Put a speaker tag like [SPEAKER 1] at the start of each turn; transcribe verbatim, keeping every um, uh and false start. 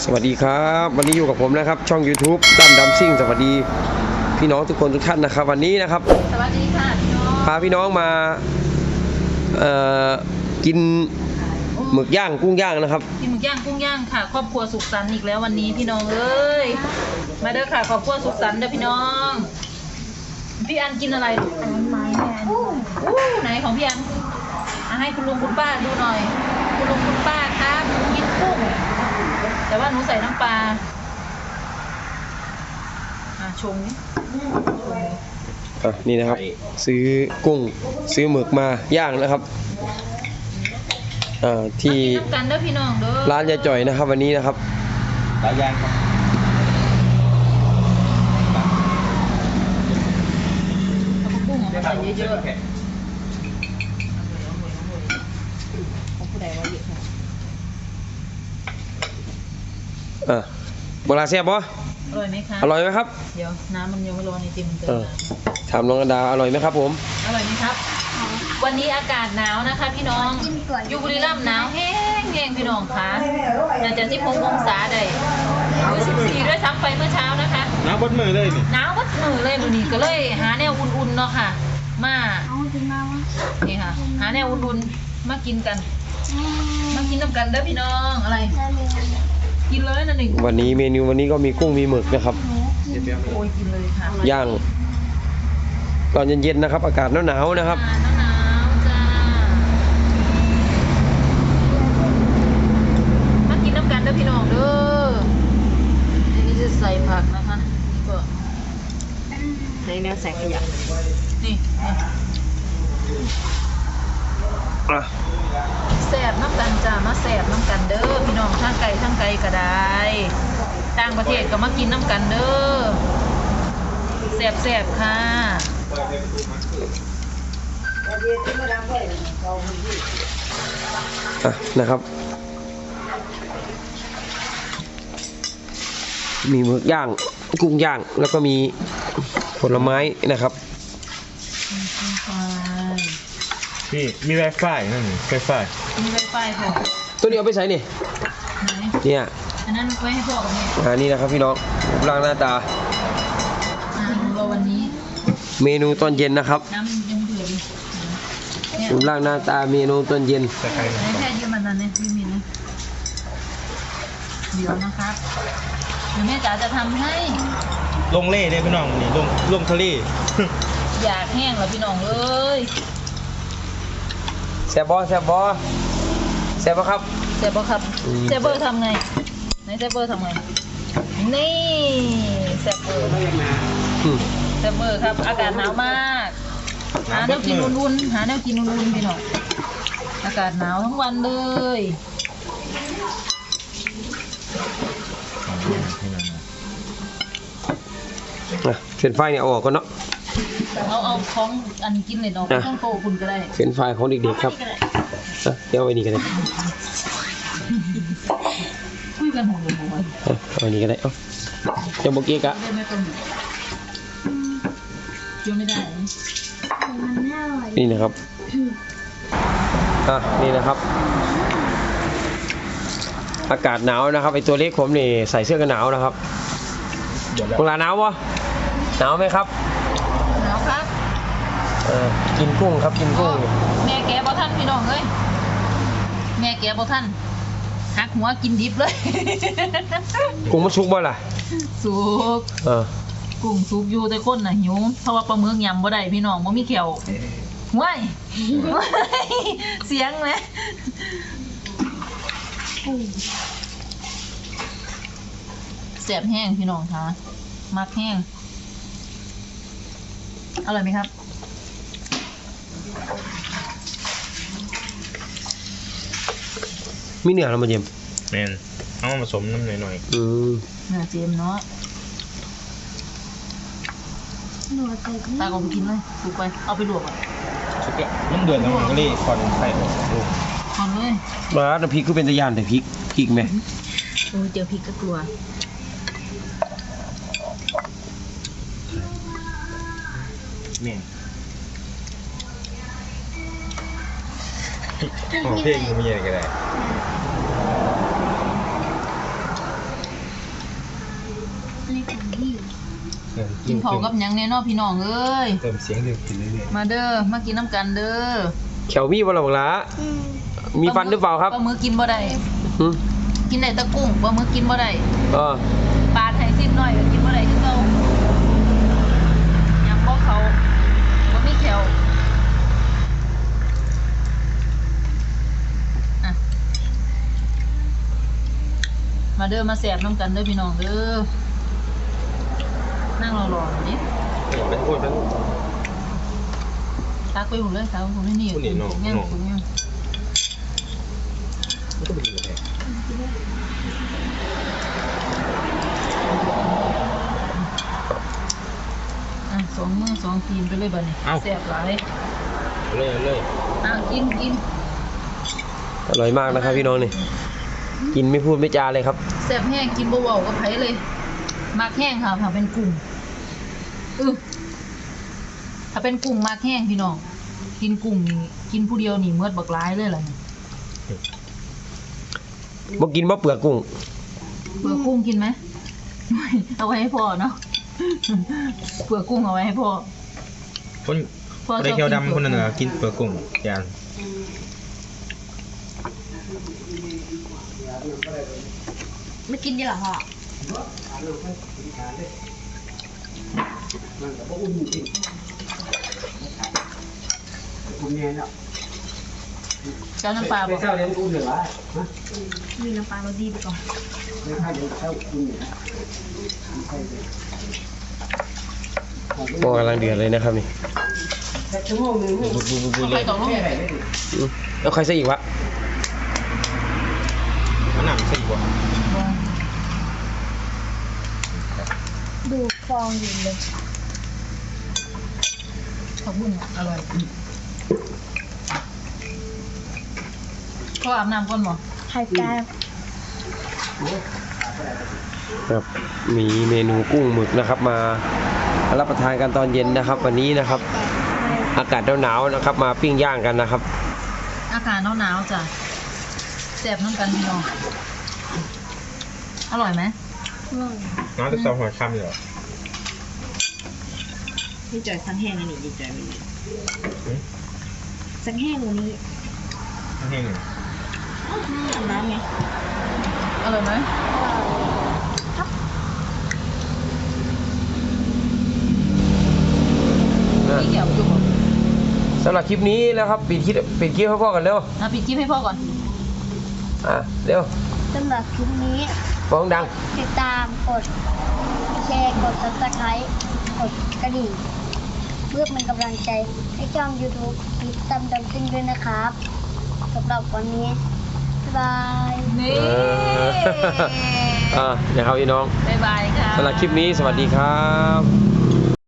[SPEAKER 1] สวัสดีครับวันนี้อยู่กับผมนะครับช่อง YouTube ตั้มดัมซิ่งสวัสดีพี่น้องทุกคนทุกท่านนะครับวันนี้นะครับ
[SPEAKER 2] สวัสดีค่ะพี่น้อง
[SPEAKER 1] พาพี่น้องมาเอ่อกินหมึกย่างกุ้งย่างนะครับ
[SPEAKER 2] กินหมึกย่างกุ้งย่างค่ะครอบครัวสุขสันต์อีกแล้ววันนี้พี่น้องเอ้ยมาเด้อค่ะครอบครัวสุขสันต์เด้อพี่น้องพี่อันกินอะไรอันไม้แม่อู้ไหนของพี่อันมาให้คุณลุงคุณป้าดูหน่อยคุณลุงคุณป้าครับกินกุ้งแต่ว่าหนูใส่น้ำปลาอ่ะชงนี่
[SPEAKER 1] อ่ะนี่นะครับซื้อกุ้งซื้อหมึกมาย่างนะครับอ่าที่
[SPEAKER 2] กันเด้อพี่น้องเด้อ
[SPEAKER 1] ร้านยายจ่อยนะครับวันนี้นะครับ
[SPEAKER 3] ร้านย่างครับ
[SPEAKER 2] เอากุ้งมาใส่เยอะๆของผู้ใดว่าเยอะค่ะ
[SPEAKER 1] อ่ะโบราณเสียบปะ
[SPEAKER 2] อร่อยไหมคะ
[SPEAKER 1] อร่อยไหมครับ
[SPEAKER 2] เดี๋ยวน้ำมันยังไม่ร้อนในติ่มเติม
[SPEAKER 1] ถามน้องอันดาอร่อยไหมครับผม
[SPEAKER 2] อร่อยไหมครับวันนี้อากาศหนาวนะคะพี่น้องอยู่บุรีรัมย์หนาวแห้งแห้งพี่น้องคะน่าจะสิบหกองศาได้หรือสิบสี่ด้วยซ้ำไปเมื่อเช้านะคะ
[SPEAKER 3] หนาวบดมือเลยนี่
[SPEAKER 2] หนาวบดมือเลยมื้อนี้ก็เลยหาแนวอุ่นๆเนาะค่ะมานี่ค่ะหาแนวอุ่นๆมากินกันมากินน้ำกันเด้อพี่น้องอะไรกินเลยนั่นเอง
[SPEAKER 1] วันนี้เมนูวันนี้ก็มีกุ้งมีหมึกนะครับ
[SPEAKER 2] โอ้ยกินเลยค่ะ
[SPEAKER 1] ย่างตอนเย็นๆนะครับอากาศหนาวๆนะครับ
[SPEAKER 2] หนาวจ้ามากินน้ำกันเด้อพี่น้องเด้ออันนี้จะใส่ผักนะคะนี่ก็ใส่แนวใส่ขยะนี่แสบน้ำกันจ้ามาแสบน้ำกันเด้อพี่น้องทั้งไก่ทั้งไก่ก็ได้ต่างประเทศก็มากินน้ำกันเด้อแสบแสบค่ะ
[SPEAKER 1] อ่ะนะครับมีหมึกย่างกุ้งย่างแล้วก็มีผลไม้นะครับ
[SPEAKER 3] พี่มีไวไฟนั่นไวไฟ
[SPEAKER 2] มีไวไฟพอ
[SPEAKER 1] ตัวนี้เอาไปใส่นี่เนี่ย
[SPEAKER 2] อันนั้นไว้ให้พ่อกับแม่
[SPEAKER 1] อ่านี่นะครับพี่น้องร่างหน้าตา
[SPEAKER 2] อ่าเราวันนี้
[SPEAKER 1] เมนูตอนเย็นนะครับ
[SPEAKER 2] น้ำยังเดือด
[SPEAKER 1] อยู่ร่างหน้าตาเมนูตอนเย็น
[SPEAKER 2] แค่ยืมมันนั่นเนี่ยยืมมินนะเดี๋ยวนะครับเดี๋ยวแม่จ๋าจะทำให้
[SPEAKER 3] ลงเล่เลยพี่น้องนี่ลงลงทะเล
[SPEAKER 2] อยากแห้งเหรอพี่น้องเอ้ย
[SPEAKER 1] แซ่บบอแซ่บบอแซ่บปะครับ
[SPEAKER 2] แซ่บปะครับแซ่บเบอร์ทำไงไหนแซ่บเบอร์ทำไงนี่แซ่บเบอร์แซ่บเบอร์ครับอากาศหนาวมากหาแนวกินอุ่นๆหาแนวกินอุ่นๆพี่น้องอากาศหนาวทั้งวันเลย
[SPEAKER 1] นะเฟรนช์ฟรายเนี่ยเอาออกก่อนเนาะ
[SPEAKER 2] เอาเอาของอันกินเลยเนาะต้องโตคุณก็ได้
[SPEAKER 1] เฟรนช์ฟรายของเด็กๆครับนะเดี๋ยวเอาไปนี่กันเลย
[SPEAKER 2] คุยกันหัวหัว
[SPEAKER 1] เอาไปนี่กันเลยเอ้าจะบอกเก๊กอะ
[SPEAKER 2] เกี่ยวไม่ได้
[SPEAKER 1] นี่นะครับอ่ะนี่นะครับอากาศหนาวนะครับไอตัวเล็กผมนี่ใส่เสื้อกันหนาวนะครับเวลาหนาววะหนาวไหมครับ
[SPEAKER 2] หนาวครับ
[SPEAKER 1] เออกินกุ้งครับกินกุ้ง
[SPEAKER 2] แม่แกบ่ท่านพี่น้องเอ้ยแม่แกบ่ท่านหักหัวกินดิบเลย
[SPEAKER 1] กุ้งมันสุกบ่ล่ะ
[SPEAKER 2] สุก
[SPEAKER 1] เออ
[SPEAKER 2] กุ้งสุกอยู่แต่คนน่ะหิวเพราะว่าปลาหมึกยำบ่ได้พี่น้องบ่มีแขวว้ายเสียงเลยแสบแห้งพี่น้องคะมักแห้งอร่อยไหมครับ
[SPEAKER 1] มีเนื้อแล้วมาเยี่ยม
[SPEAKER 3] แมนเอามาผสมน้ำหน่อยหน่อย
[SPEAKER 1] อืม
[SPEAKER 2] เนื้อเจมเนาะตาก็ไปกินเลยถูกไปเอาไปลวกอ่ะ
[SPEAKER 3] สุกละน้ำเดือดแล้วมันก็รีคอนไข่ออกลูก
[SPEAKER 2] คอนเลย
[SPEAKER 1] มาน้ำพริกก็เป็นตะยานแต่พริกพริกไหม
[SPEAKER 2] โอ้เจอพริกก็กลัว
[SPEAKER 3] แม่โอเพลงก็มีอะไรก็ได้
[SPEAKER 2] กินข้าวกับหยังแน่เนอนพี่น้องเอ้ย
[SPEAKER 3] เติมเสียงเดือดกินเรื่อย
[SPEAKER 2] มาเด้อมากินน้ำกันเด้อ
[SPEAKER 1] แขวมีบ่ล่ะบักหลามีฟันหรือเปล่าครับ
[SPEAKER 2] ปลาหมึกกินบ่ได้
[SPEAKER 1] หึ
[SPEAKER 2] กินได้แตะกุ้งปลาหมึกกินบ่ได้
[SPEAKER 1] เออ
[SPEAKER 2] ปลาไทยสิ้นน้อยก็กินบ่ได้คือเก่ายังบ่เขาบ่มีแขวอ่ะมาเด้อมาแสบน้ำกันเด้อพี่น้องเด้อนั่งรอๆหน่อยดิ
[SPEAKER 3] ๆเป็นพูดเป็น
[SPEAKER 2] ตักไปหมดเลยตักไปหมดเลยนี่
[SPEAKER 3] ผู้นี่น้อง
[SPEAKER 2] ย่าง
[SPEAKER 3] น้อง
[SPEAKER 2] ถุงย่าง
[SPEAKER 3] มันก็เป็นยังไง
[SPEAKER 2] อ่ะสองมือสองทีมไปเลยบัดนี้แสบหลาย
[SPEAKER 3] เอาเลยเอาเลย
[SPEAKER 2] อ่ะกินกิน
[SPEAKER 1] อร่อยมากนะครับพี่น้องนี่กินไม่พูดไม่จาเลยครับ
[SPEAKER 2] แสบแห้งกินบ่เว้ากับไผเลยมากแห้งค่ะถ้าเป็นกุ้งอือถ้าเป็นกุ้งมากแห้งพี่น้องกินกุ้งนี่กินผู้เดียวนี่เมือดบักหลายเลยล่ะนี่
[SPEAKER 1] บ่กินบ่เปลือกกุ้ง
[SPEAKER 2] เปลือกกุ้งกินไหมไม่เอาไว้ให้พ่อเนาะเปลือกกุ้งเอาไว้ให้พ่อ
[SPEAKER 3] คน
[SPEAKER 2] พ่อ
[SPEAKER 3] คน
[SPEAKER 2] ชอบ
[SPEAKER 3] เคียว
[SPEAKER 2] กิน
[SPEAKER 3] ดำคนนั้นน่ะกินเปลือกกุ้งยาน
[SPEAKER 2] ไม่กินดีหรอพ่อเจ้าน้ำปลาบ่มีน้ำปลาเราดีไปก่อน
[SPEAKER 1] โอ้กำลังเดือดเลยนะครับนี่
[SPEAKER 3] บุบบุบบุบ
[SPEAKER 2] เอา
[SPEAKER 3] เล
[SPEAKER 2] ไป
[SPEAKER 3] ย
[SPEAKER 2] ต่อลูก
[SPEAKER 1] อืมแล้วใครซะอีกวะ
[SPEAKER 3] มันหนักสิกว่า
[SPEAKER 4] ดูฟองอยู่เลย
[SPEAKER 2] ผักบุ้งอ่ะอร่อยพ่ออาบน้ำก่อนบ่
[SPEAKER 4] ไข่แก้ว
[SPEAKER 1] ครับมีเมนูกุ้งหมึกนะครับ มารับประทานกันตอนเย็นนะครับ วันนี้นะครับ อากาศหนาวๆนะครับ มาปิ้งย่างกันนะครับ
[SPEAKER 2] อากาศหนาวๆจ้ะแซ่บน้ำกันพี่น้องอร่อยไหม
[SPEAKER 3] น้ำจะซอหัวค่ำอยู่เหรอ
[SPEAKER 4] ดีใจสังแห้งอันนี้ดีใจวันนี้สังแห้งวันนี้
[SPEAKER 3] แห้งอยู่
[SPEAKER 4] อาบน้ำไง
[SPEAKER 2] อร่อยไหม พี่เกี่ยวจุ่ม
[SPEAKER 1] สำหรับคลิปนี้แล้วครับปิดคลิปปิดคลิปให้พ่อกันเร็ว
[SPEAKER 2] อ่ะปิดคลิปให้พ่อก่อน
[SPEAKER 1] อ่ะเร็ว
[SPEAKER 4] สำหรับคลิปนี้
[SPEAKER 1] ฟ้องดัง
[SPEAKER 4] ติดตามกดแชร์กด ซับสไครบ์กดกระดิ่งเพื่อเป็นกำลังใจให้ช่อง ยูทูบ คิดตามดำซิ่งด้วยนะครับสำหรับวันนี้ บ๊ายบาย
[SPEAKER 2] นี่
[SPEAKER 1] เอออ่ะนะครับพี่น้อง
[SPEAKER 2] บ๊ายบายค่ะ
[SPEAKER 1] สำหรับคลิปนี้สวัสดีครับ